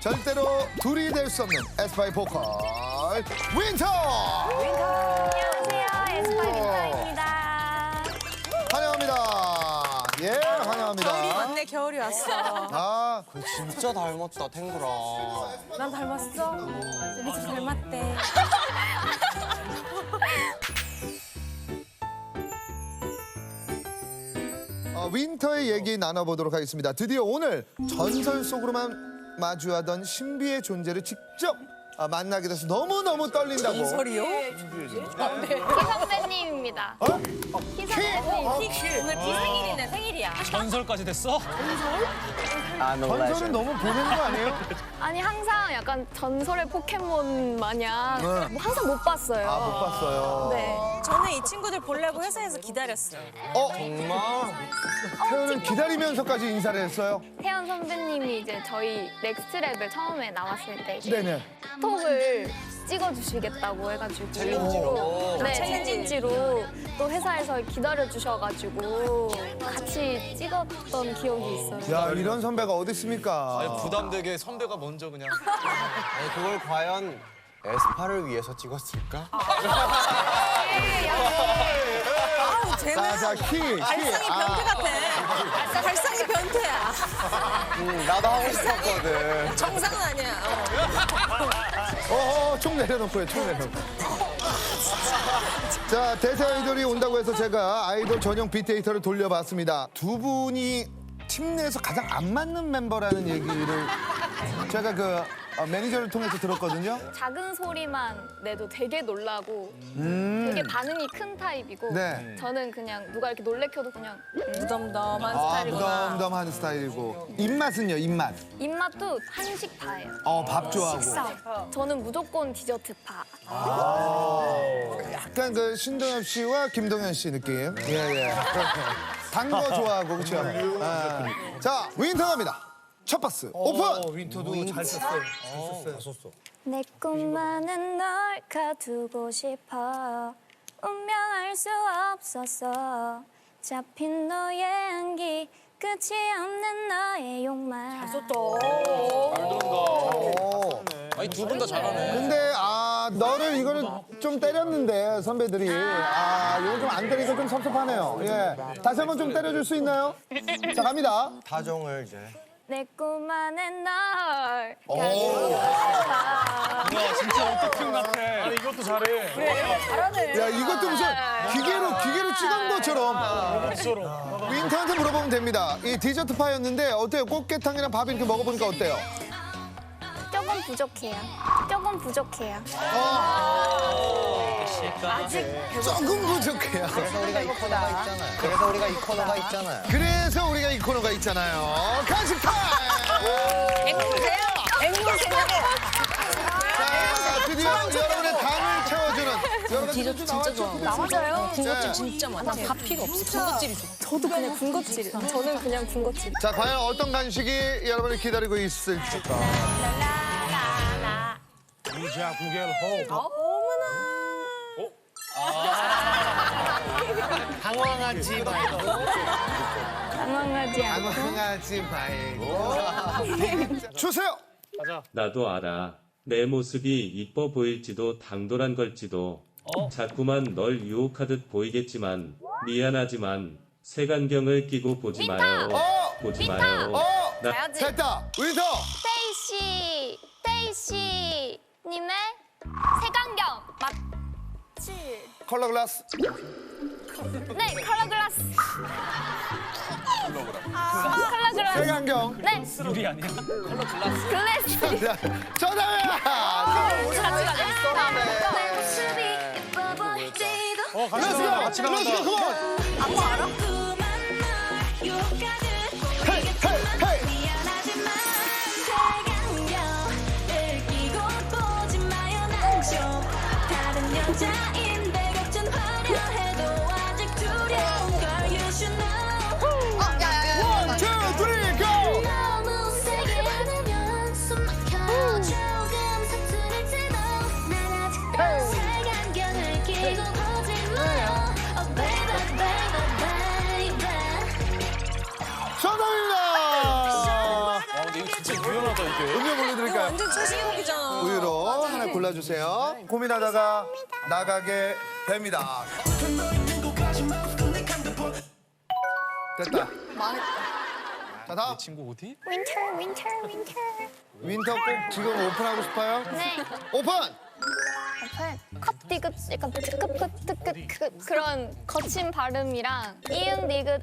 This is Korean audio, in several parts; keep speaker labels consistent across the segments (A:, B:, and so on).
A: 절대로 둘이 될 수 없는 에스파이 보컬 윈터!
B: 안녕하세요. 에스파이 윈터입니다.
A: 환영합니다. 예, 환영합니다.
C: 겨울이 왔네, 겨울이 왔어.
A: 아,
D: 진짜 닮았다, 탱구랑.
C: 난 닮았어? 우리 집 닮았대.
A: 윈터의 얘기 나눠보도록 하겠습니다. 드디어 오늘 전설 속으로만 마주하던 신비의 존재를 직접 만나게 돼서 너무너무 떨린다고.
C: 소리요?
B: 키 선배님입니다.
A: 어?
B: 키 선배님.
C: 오늘 키 생일이네, 생일이야.
E: 전설까지 됐어?
A: 전설은 너무 보낸 거 아니에요?
B: 아니 항상 약간 전설의 포켓몬 마냥 뭐 항상 못 봤어요.
A: 아, 못 봤어요.
B: 네.
C: 저는 이 친구들 보려고 회사에서 기다렸어요.
D: 정말?
A: 태연은 기다리면서까지 인사를 했어요?
B: 태연 선배님이 이제 저희 넥스트 레벨 처음에 나왔을 때 이제
A: 네네.
B: 톡을 찍어주시겠다고 해가지고
D: 챌린지로?
B: 네, 챌린지로 또 회사에서 기다려주셔가지고 같이 찍었던 기억이 있어요.
A: 야, 이런 선배가 어디 있습니까?
E: 아니, 부담되게 선배가 먼저 그냥.
D: 아니, 그걸 과연 에스파를 위해서 찍었을까?
C: 아우, 쟤는
A: 자, 키.
C: 발상이 변태 같아. 발상이 변태야.
D: 나도 하고 싶었거든.
C: 정상은 아니야.
A: 총 내려놓고요, 총 내려놓고. 자, 대세 아이돌이 온다고 해서 제가 아이돌 전용 빅데이터를 돌려봤습니다. 두 분이 팀 내에서 가장 안 맞는 멤버라는 얘기를 제가 그 매니저를 통해서 들었거든요.
B: 작은 소리만 내도 되게 놀라고 되게 반응이 큰 타입이고
A: 네.
B: 저는 그냥 누가 이렇게 놀래켜도 그냥
C: 무덤덤한
A: 아,
C: 스타일이구나.
A: 무덤덤한 스타일이고. 입맛은요, 입맛?
B: 입맛도 한식파예요.
A: 밥 좋아하고.
B: 식사. 저는 무조건 디저트파.
A: 약간 그 신동엽 씨와 김동현 씨 느낌. 예. 단 거 좋아하고, 그렇죠? 자, 윈터 갑니다. 첫 박스 오픈!
E: 윈터도 잘 썼어요.
B: 내 꿈만은 널 가두고 싶어 운명할 수 없었어 잡힌 너의 향기 끝이 없는 너의 욕망
E: 아니, 두 분 다 잘하네.
A: 근데 너를 이거를 좀 때렸는데 선배들이 이거 좀 안 때리니까 좀 섭섭하네요. 예, 다시 한번 좀 때려줄 수 있나요? 자, 갑니다.
D: 다정을 이제.
B: 내 꿈만은 널 가두고 싶어
E: 야, 진짜 어떻게 같아. 아니, 이것도 잘해.
A: 야, 이것도 무슨 기계로 찍은 것처럼. 윈터한테 물어보면 됩니다. 이 디저트 파였는데 어때요? 꽃게탕이랑 밥 이렇게 먹어보니까 어때요?
B: 조금 부족해요
A: 조금 부족해요.
D: 그래서 우리가 이 코너가 있잖아요. 그래서 우리가 이 코너가 있잖아요.
A: 그래서 우리가 이 코너가 있잖아요. 간식 타임!
C: 앵무새요? 앵무새요?
A: 자, 드디어 여러분의 당을 채워주는 여러분
C: 디저트 진짜 좋아하고.
B: 맞아요
A: 군것질
C: 진짜 많아. 밥 필요 없어. 군것질이 좋아.
B: 저도 그냥 군것질 저는 그냥 군것질
A: 자, 과연 어떤 간식이 여러분을 기다리고 있을지.
E: 유자 구겔 호. 당황하지 말고.
B: 당황하지 않고
A: 당황하지 말고. 주세요!
F: 나도 알아. 내 모습이 이뻐 보일지도 당돌한 걸지도 자꾸만 널 유혹하듯 보이겠지만 미안하지만 색안경을 끼고 보지 마요. 보지 마요.
A: 됐다! 윈터!
B: 테이씨 님의 색안경 맞지?
A: 컬러 글라스.
B: 네 컬러 글라스 컬러 글라스
A: 색안경.
B: 네
E: 유리 아니야?
B: 글래스
A: 정답이야!
B: 같이 가자 내 모습이 예뻐 보일지도
A: 같이 가! 렛츠고! 컴온!
B: 안무 알아?
A: 헤이! 헤이!
B: 미안하지만 색안경을 끼고 보지 마요 난좀 다른 여자인데 걱정 화려해도 아직 두려운 걸 you should know
A: 원, 투, 쓰리, 고!
B: 너무 세게 안으면 숨 막혀 조금 서투를지도 난 아직도 색안경을 끼고 보지 마요 Oh baby baby baby
A: 정답입니다!
E: 근데 이거 진짜 유연하다, 이게.
A: 음료 보내드릴까요?
C: 완전 최신곡이잖아.
A: 우유로 하나 골라주세요. 고민하다가 나가게 됩니다. 됐다. 자, 다음.
D: 친구 어디?
A: 윈터 꼭 지금 오픈하고 싶어요?
G: 네.
A: 오픈!
G: 컵 디귿 약간 뜨끗 그런 거친 발음이랑 이응 디귿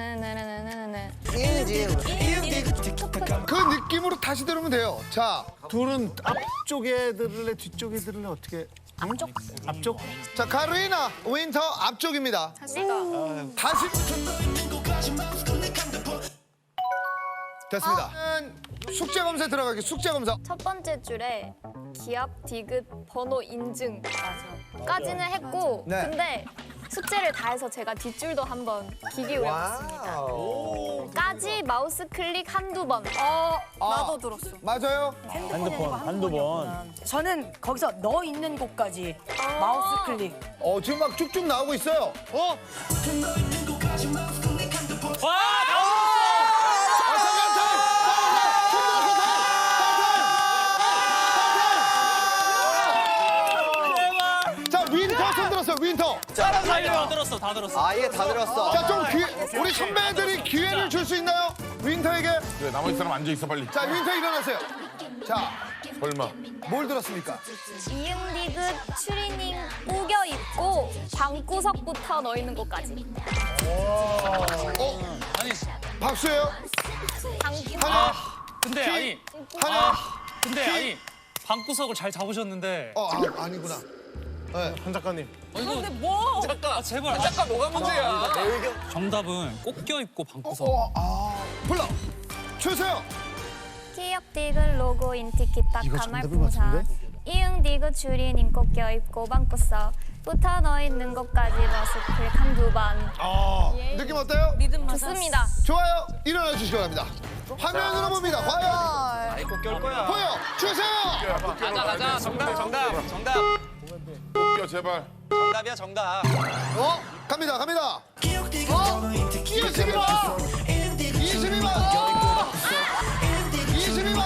A: 그 느낌으로 다시 들으면 돼요. 자,
E: 둘은 앞쪽에 들을래 뒤쪽에 들을래 어떻게? 앞쪽?
A: 자 카루이나 윈터 앞쪽입니다. 다시 됐습니다. 숙제 검사에 들어가기. 숙제 검사.
G: 첫 번째 줄에 기압 디귿 번호 인증까지는 했고
A: 네.
G: 근데 숙제를 다 해서 제가 뒷줄도 한번 귀 기울여봤습니다. 까지 마우스 클릭 한두 번.
C: 나도 들었어.
A: 맞아요?
E: 한두 번.
H: 저는 거기서 너 있는 곳까지 마우스 클릭.
A: 지금 막 쭉쭉 나오고 있어요. 자, 윈터 손 들었어요. 윈터.
E: 다 들었어, 다 들었어.
D: 아예 다 들었어.
A: 자, 좀 우리 선배들이 기회를 줄 수 있나요? 윈터에게.
I: 그래, 나머지 사람 앉아 있어 빨리.
A: 자, 윈터 일어나세요. 자,
I: 설마.
A: 뭘 들었습니까?
G: 이응 디귿 추리닝 우겨 입고 방구석부터 넣어 있는 곳까지.
E: 아니,
A: 박수예요. 하나,
E: 근데 아니,
A: 하나.
E: 근데 아니, 방구석을 잘 잡으셨는데.
A: 아니구나. 네.
I: 한 작가님.
C: 근데 뭐?
E: 잠깐, 제발.
D: 잠깐 뭐가 문제야?
E: 정답은 꼭 껴입고 방구석.
A: 불러 주세요.
G: 기업 디귿 로고 인티키타카 말풍선 이응 디귿 추리닝 꼭 껴입고 방구석 붙어 넣어 있는 곳까지 머스클 한두 번.
A: 느낌 어때요?
C: 리듬 맞았어.
G: 좋습니다.
A: 좋아요. 일어나 주시기 바랍니다. 화면으로 봅니다. 과연
D: 아이 꼭껴올 거야.
A: 보여 주세요.
D: 가자. 정답.
I: 웃겨 제발.
D: 정답이야 정답.
A: 갑니다. 22번. 22번.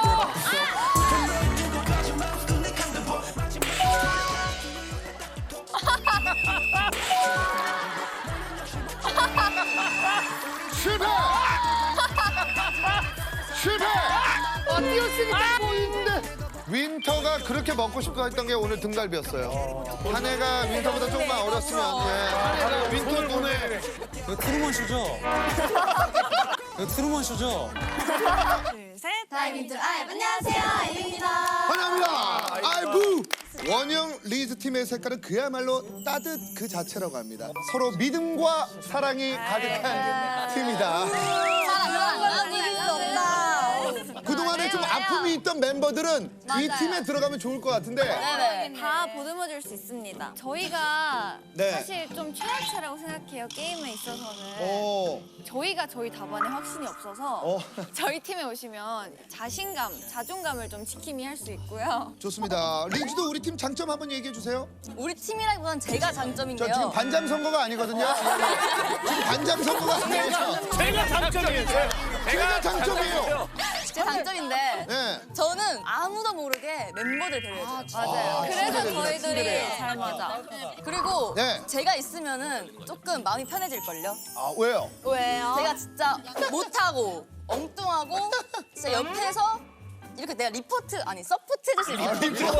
A: 실패. 뛰었으니까 보이는데. 윈터가 그렇게 먹고 싶어 했던 게 오늘 등갈비였어요. 한 해가 윈터보다 조금만 어렸으면 윈터 눈에
E: 이거 트루먼 쇼죠? 이거 트루먼 쇼죠?
C: 둘, 셋.
B: 안녕하세요, 아이입니다.
A: 환영합니다. 아이부 원영 리즈 팀의 색깔은 그야말로 따뜻 그 자체라고 합니다. 서로 믿음과 사랑이 가득한 팀이다.
C: 사랑 이길 수 없다.
A: 그동안에 좀 아픔이 있던 멤버들은 이 팀에 들어가면 좋을 것 같은데
G: 다 보듬어줄 수 있습니다. 저희가
A: 네.
G: 사실 좀 최하체라고 생각해요. 게임에 있어서는.
A: 오,
G: 저희가 저희 답안에 확신이 없어서 저희 팀에 오시면 자신감, 자존감을 좀 지킴이 할 수 있고요.
A: 좋습니다. 리즈도 우리 팀 장점 한번 얘기해 주세요.
C: 우리 팀이라기보단 제가
A: 저
C: 장점인데요.
A: 지금 반장 선거가 아니거든요. 지금 반장 선거가 아니에요.
E: 제가 장점이에요.
A: 제가 장점이에요.
C: 제 장점인데
A: 네.
C: 저는 아무도 모르게 멤버들 배려해줘요.
G: 맞아요. 그래서
A: 친구들이네,
G: 저희들이
A: 친구들이에요.
G: 잘 맞아.
C: 그리고
A: 네.
C: 제가 있으면은 조금 마음이 편해질걸요.
A: 왜요?
G: 왜요?
C: 제가 진짜 못하고 엉뚱하고 진짜 옆에서 이렇게 내가 리포트 아니 서포트 해줄 수 있는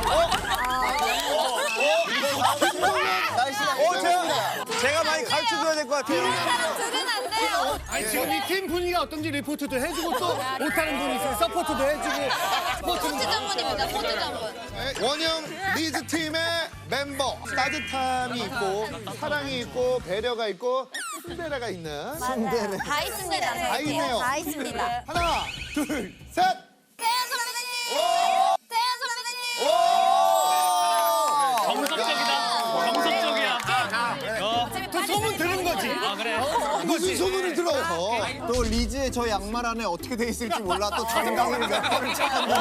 D: 제가 많이 가르쳐줘야 될 것 같아요.
G: 들으면 안 돼요.
E: 아니, 지금 이 팀 분위기가 어떤지 리포트도 해주고 또 못하는 분이 있어요. 서포트도 해주고.
G: 포트 전문입니다. 포트 전문.
A: 원영 리즈 팀의 멤버 따뜻함이 있고 사랑이 있고 배려가 있고 순대라가 있는
G: 다 있습니다.
A: 다 있네요.
G: 다 있습니다.
A: 하나 둘 셋.
G: 태연 선배님! 태연 선배님!
E: 정석적이야. 또 소문 들은 거지. 아, 그래?
A: 무슨 소문을 들어요?
D: 또 리즈의 저 양말 안에 어떻게 돼 있을지 몰라. 또 자존감을 몇 번을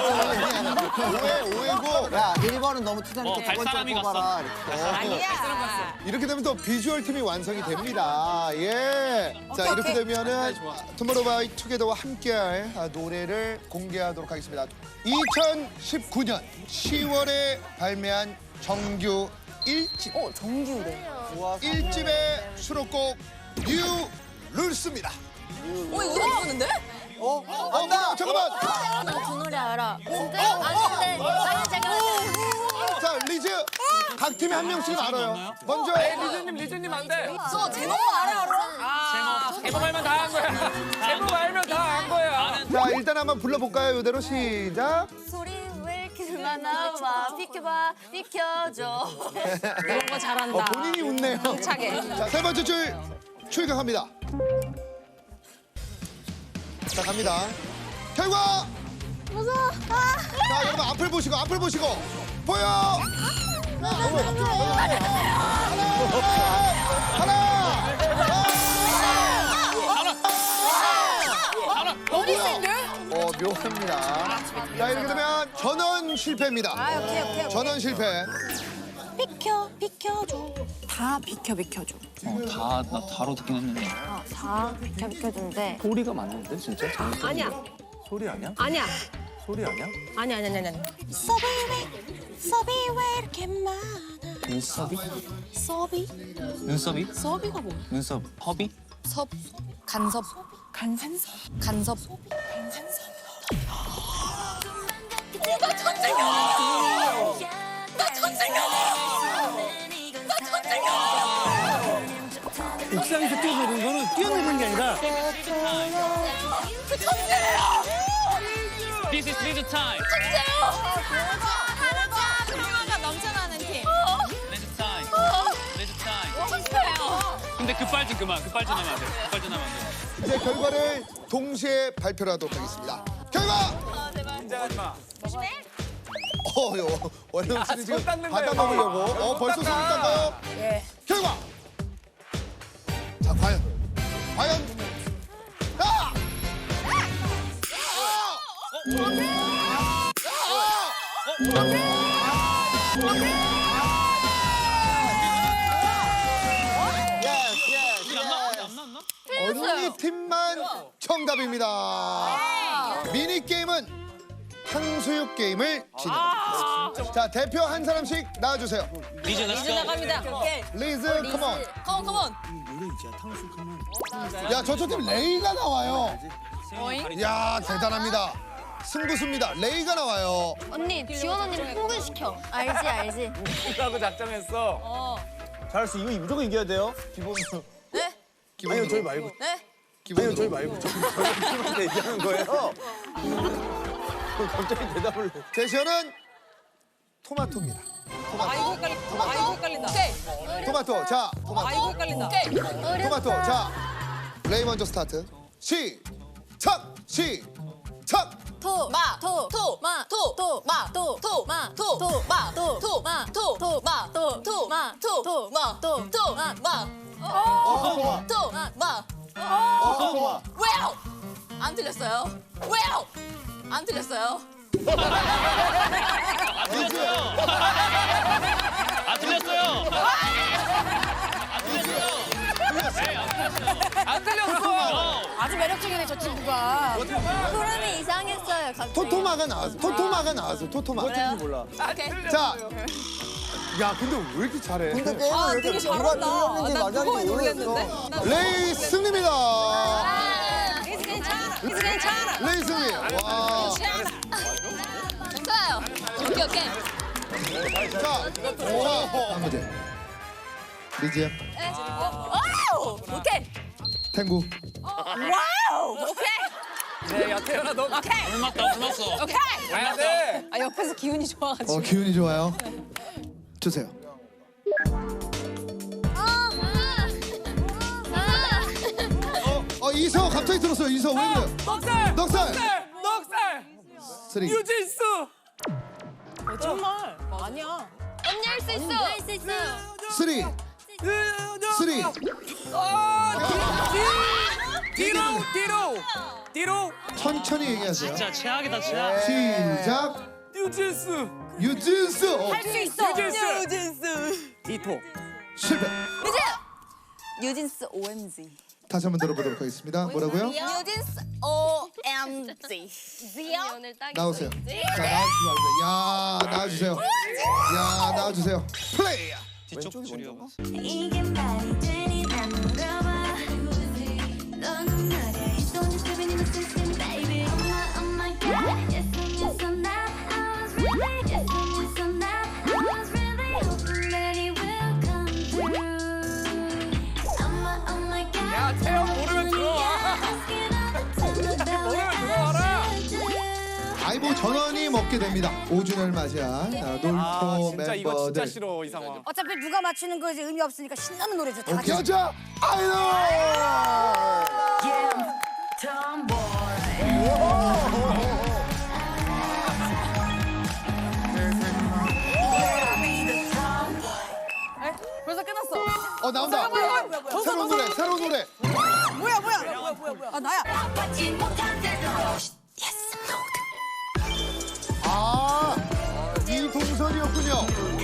A: 오해고.
D: 야, 1번은 너무 투자니까
J: 갈
D: 2번 좀
J: 사람이
D: 뽑아라.
C: 아니야.
A: 이렇게 되면 또 비주얼 팀이 완성이 됩니다. 예. 자, 이렇게 되면은 투모로우바이 투게더와 함께할 노래를 공개하도록 하겠습니다. 2019년 10월에 발매한 정규 1집.
C: 정규래.
A: 1집의 수록곡 뉴 룰스입니다.
C: 이거 예쁘는데?
A: 잠깐만.
G: 나 그 노래 알아. 진짜? 아는데 나는 잠깐만.
A: 자, 리즈. 각 팀에 한 명씩은 알아요. 먼저
J: 리즈님 안 돼.
C: 저 제목만 알아.
J: 제목 알면 다 한 거야. 제목 알면 다 한 거야.
A: 자, 일단 한번 불러볼까요? 이대로 시작.
C: 소리 왜 이렇게 많아? 와 비켜봐 비켜줘. 이런 거 잘한다.
A: 본인이 웃네요.
C: 차게.
A: 자, 세 번째 줄 출격합니다. 자, 갑니다. 결과!
G: 무서워.
A: 자, 여러분 앞을 보시고 보여!
H: 너무 센데?
A: 묘합니다. 자, 이렇게 되면 전원 실패입니다.
H: 오케이.
A: 전원 실패.
H: 비켜줘. 다 비켜줘.
J: 나 다로 듣긴 했는데.
G: 다 비켜준대.
J: 소리가 맞는데 진짜?
H: 아니야.
J: 소리 아니야?
H: 아니야.
J: 소리 아니야?
H: 아니야. 서비 왜 이렇게 많아?
J: 눈썹이?
H: 서비?
J: 눈썹이?
H: 서비가 뭐야?
J: 눈썹 허비?
C: 섭 간섭
H: 간산섭.
C: 간섭.
E: 옥상에서 뛰어내리는 거는 뛰어내리는 게 아니라
J: This is Liz time.
C: 하나가 넘쳐나는 팀.
J: Liz time. Liz time. 근데 급발진 그만. 급발진하면 안 돼. 급발진하면 안 돼.
A: 이제 결과를 동시에 발표를 하도록 하겠습니다. 결과!
J: 긴장하지 마.
A: 원영 씨는 지금
J: 닦는
A: 받아
J: 거예요.
A: 먹으려고. 벌써 손을 닦아요?
H: 예.
A: 결과! 자, 과연. 아! 언니 팀만 정답입니다. 미니 게임은 탕수육 게임을 진행합니다. 자, 대표 한 사람씩 나와주세요.
J: 리즈
C: 이제 나갑니다. 오케이.
A: 리즈, 컴온.
C: 컴온.
A: 야, 저쪽 팀 레이가 나와요. 야, 대단합니다. 승부수입니다. 레이가 나와요.
G: 언니, 지원 언니를 흥분시켜. 알지.
J: 라고 작정했어.
D: 잘할 수 이거 무조건 이겨야 돼요. 기본으로.
C: 네?
A: 기본으로.
D: 저희 말고.
C: 네?
A: 기본으로.
D: 저희 말고. 저한테 얘기하는 거예요. 갑자기 대답을.
A: 제시어는 토마토입니다.
H: 아이고 헷갈린다.
C: 오케이.
A: 토마토. 자,
H: 아이고 헷갈린다.
C: 오케이.
A: 토마토. 자, 레이 먼저 스타트. 시작!
C: 왜요? 안 틀렸어요. 왜요? 안 틀렸어요.
J: 안 틀렸어요. 안 틀렸어.
H: 아주 매력적이네 저 친구가.
G: 흐름이 이상했어요, 갑자기.
A: 토토마가 나왔어. 토토마.
D: 몰라.
C: 오케이.
A: 자, 야, 근데 왜 이렇게 잘해?
D: 근데 게임을 왜
H: 되게
D: 이렇게 누가
H: 잘한다.
D: 틀렸는지
H: 나
D: 맞았는지
H: 그거에 놀랐는데.
D: 모르겠어.
A: 레이 승리입니다.
H: 이제 괜찮아.
A: 레이 승리. 와.
C: 좋아요. 오케이.
A: 자, 다음 문제. 리즈야,
C: 와우. 오케이.
A: 탱구.
C: 와우. 오케이.
J: 네, 야 태연아 너.
C: 오케이.
J: 굶었어.
C: 오케이.
J: 가야 돼.
H: 아 옆에서 기운이 좋아가지고.
A: 기운이 좋아요. 주세요. 이서 갑자기 들었어요. 이서 왜 그래요? 넉살. 쓰리.
J: 유진수.
H: 정말 아니야.
G: 언니 할 수 있어.
A: 쓰리. 쓰리.
J: 뒤로.
A: 천천히 얘기하세요.
J: 진짜 최악이다 최악.
A: 시작.
J: 유진스.
A: 유진스.
H: 할 수 있어.
C: 뉴진스.
J: 디토.
A: 실패.
C: 뉴진스 OMG.
A: 다시 한번 들어보도록 하겠습니다. 뭐라고요?
C: 뉴진스 OMG.
G: 오늘 딱
A: 나오세요. 자, 나와주시기 바랍니다. 야, 나와주세요. 야, 나와주세요. 플레이.
J: 뒤쪽 줄이요.
B: 이게 말이 되니 난 물어봐 너는 말야 Don't just live in the system baby Oh my god Yes I'm just on that I was really Yes I'm just on that I was really hoping that it will come through Oh my god
J: 야, 태영 모르면 들어와. 모르면 들어와라.
A: 아이 뭐 전원이 먹게 됩니다. 5주년을 맞이한 놀토
J: 진짜 이거 진짜
A: 멤버들.
J: 싫어 이 상황.
H: 어차피 누가 맞추는 거 이제 의미 없으니까 신나는 노래죠. 다 같이.
A: 여자 아이돌.
C: 벌써 끝났어.
A: 나온다. 새로운 노래, 새로운 노래.
H: 뭐야. 아 나야.
A: 아, 이동선이었군요.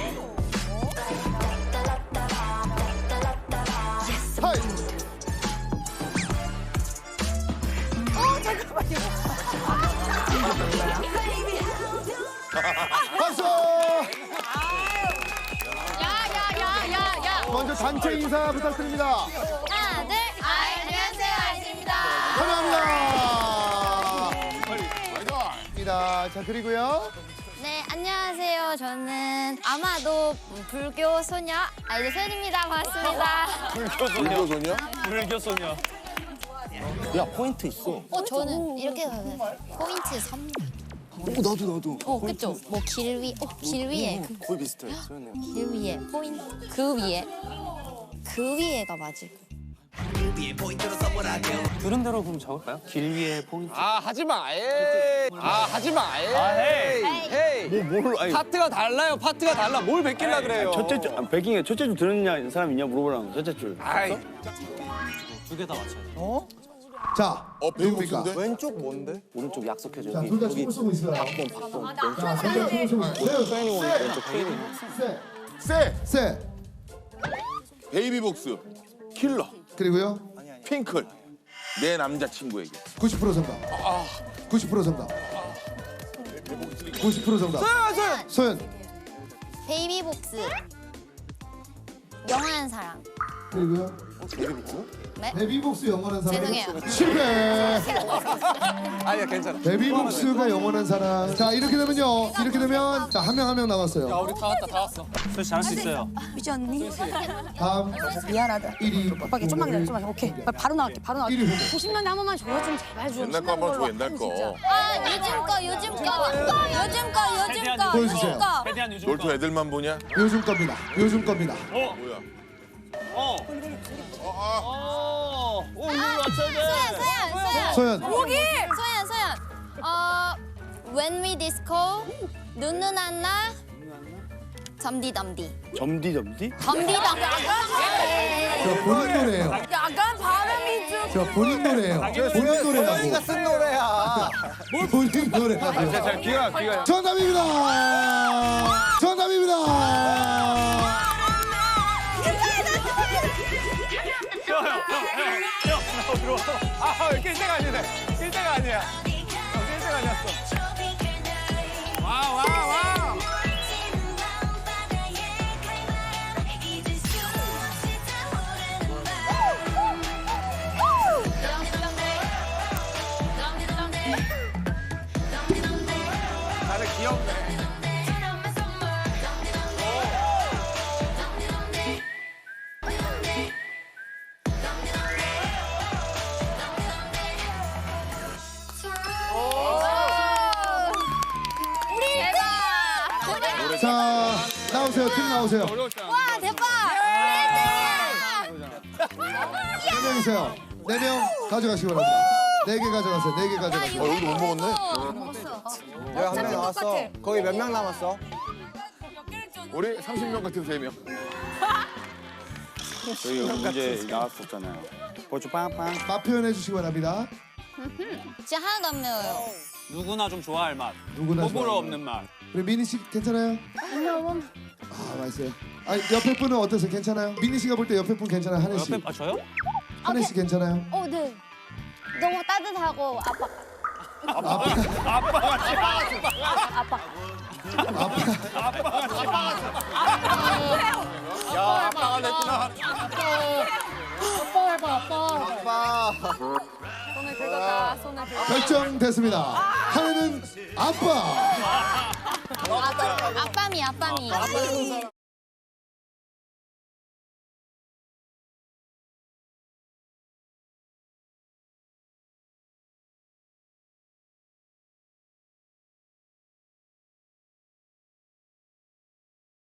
A: 하이.
H: 잠깐만요.
A: 박수.
G: 야야야야야.
A: 먼저 단체 인사 부탁드립니다.
G: 하나 둘. 안녕하세요 아이즈입니다.
A: 환영합니다. 자, 그리고요.
G: 네 안녕하세요. 저는 아마도 불교 소녀 아이즈 소연입니다. 반갑습니다.
J: 불교 소녀.
D: 야 포인트 있어.
G: 저는 이렇게 가요. 포인트 3. 나도. 그쵸? 뭐 길 위에.
D: 거의 비슷해. 소연이.
G: 길 위에 포인트. 그 위에가 맞을 거예요.
J: 들은 대로 그럼 적을까요? 길 위에 포인트.
D: 아 하지 마. 에이. 아 하지 마. 에이. 헤이. 뭘? 아니. 파트가 달라요. 파트가 달라. 뭘 베낄라 그래요.
K: 첫째 줄 백킹에 첫째 줄 들었냐 사람 있냐 물어보라고 첫째 줄.
D: 아이.
J: 두 개 다 맞춰요.
A: 자, 누굽니까?
D: 왼쪽 뭔데? 오른쪽 약속해줘.
A: 자, 둘 다 춤을 쓰고 있어요.
D: 박봉.
A: 자, 둘다 춤을 쓰고 있어요.
D: 소연이 오니까 왼쪽 케이는.
A: 세.
I: 베이비복스. 킬러.
A: 그리고요.
I: 핑클. 내 남자친구에게.
A: 90% 정답. 90% 정답. 90% 정답. 소연.
G: 베이비복스. 영원한 사랑.
A: 그리고요.
G: 네?
A: 베비복스 영원한 사랑.
G: 죄송해요.
A: 실패.
D: 아니야 괜찮아.
A: 베비복스가 영원한 사랑. 자, 이렇게 되면요. 이렇게 되면 자, 한 명 남았어요.
J: 우리 다 왔어. 소연 잘할 수 있어요.
H: 미지 언니.
A: 다음
H: 미안하다.
A: 1위.
H: 오빠 좀만 기다려. 오케이. 바로 나갈게.
A: 1위
H: 90년대 한 번만 줘요. 좀 제발 좀.
I: 옛날 거 한번 줘, 옛날 거.
G: 요즘 거.
A: 보여주세요.
J: 최대한 요즘
I: 놀토 애들만 보냐?
A: 요즘 겁니다. 요즘 겁니다.
I: 뭐야?
J: 이거 맞춰야 돼.
G: 소연.
A: 소연.
G: When we disco, 눈눈 안나, 점디덤디.
K: 점디?
A: 저 본인 노래예요.
H: 약간 발음이 좀.
A: 저 본인 노래예요. 본인 노래라고.
D: 쓴 노래야.
A: 본인 노래라고.
D: 자 귀가.
A: 정답입니다.
J: 형 들어와.
D: 아 1대가 아니네. 1대가 아니야. 1대가 아니었어. 와. 다들 귀엽네.
A: 자, 나오세요. 팀 나오세요.
G: 와 대박!
A: 4명이세요. 4명 가져가시기 바랍니다. 4개 가져가세요. 4개 가져가세요.
I: 여기도 못 먹었네.
D: 야, 한 명 나왔어. 거기 몇 명 남았어?
I: 우리 30명 같은 3명.
K: 저희 문제 나왔었잖아요. 버추 빵빵.
A: 맛 표현해 주시기 바랍니다.
C: 진짜 하나도 안 매워요.
D: 누구나 좀 좋아할 맛.
A: 누구나
D: 호불호
A: 좋아할
D: 없는 맛.
A: 우리 미니 씨 괜찮아요? 아 맛있어요. 아 옆에 분은 어떠세요? 괜찮아요? 미니 씨가 볼 때 옆에 분 괜찮아요? 한혜 씨.
D: 옆에 저요?
A: 한혜 씨 괜찮아요?
G: 네. 너무 따뜻하고 아빠.
D: 야, 아빠가 됐구나.
E: 아빠 해봐 아빠.
C: 손을 긁었다. 손을 긁었다.
A: 결정됐습니다. 한혜는 아빠.
C: 아빠미.